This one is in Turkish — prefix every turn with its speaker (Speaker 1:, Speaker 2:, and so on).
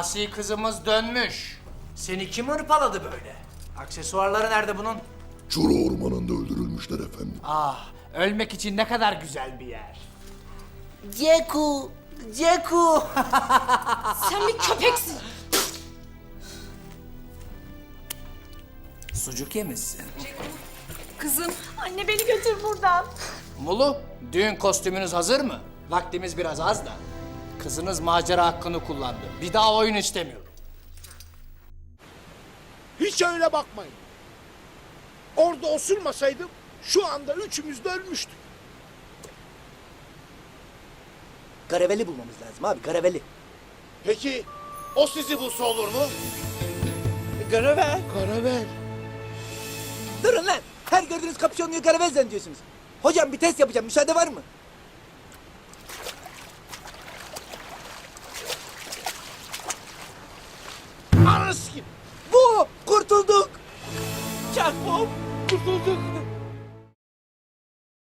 Speaker 1: Asi kızımız dönmüş. Seni kim hırpaladı böyle? Aksesuarları nerede bunun?
Speaker 2: Çuru ormanında öldürülmüşler efendim.
Speaker 1: Ah, ölmek için ne kadar güzel bir yer.
Speaker 3: Ceku, Ceku.
Speaker 4: Sen bir köpeksin.
Speaker 1: Sucuk yemişsin.
Speaker 4: Kızım, anne beni götür buradan.
Speaker 1: Mulu, düğün kostümünüz hazır mı? Vaktimiz biraz az da. Kızınız macera hakkını kullandı. Bir daha oyun istemiyorum.
Speaker 5: Hiç öyle bakmayın. Orada osurmasaydım şu anda üçümüz de ölmüştük.
Speaker 3: Karaveli bulmamız lazım abi, karaveli.
Speaker 5: Peki o sizi bulsa olur mu?
Speaker 3: Karavel.
Speaker 5: Karavel.
Speaker 3: Durun lan. Her gördüğünüz kapşonluyu karavel zannediyorsunuz. Hocam bir test yapacağım, müsaade var mı?
Speaker 5: Anası gibi.
Speaker 3: Bu, kurtulduk.
Speaker 5: Çakmam. Kurtulduk.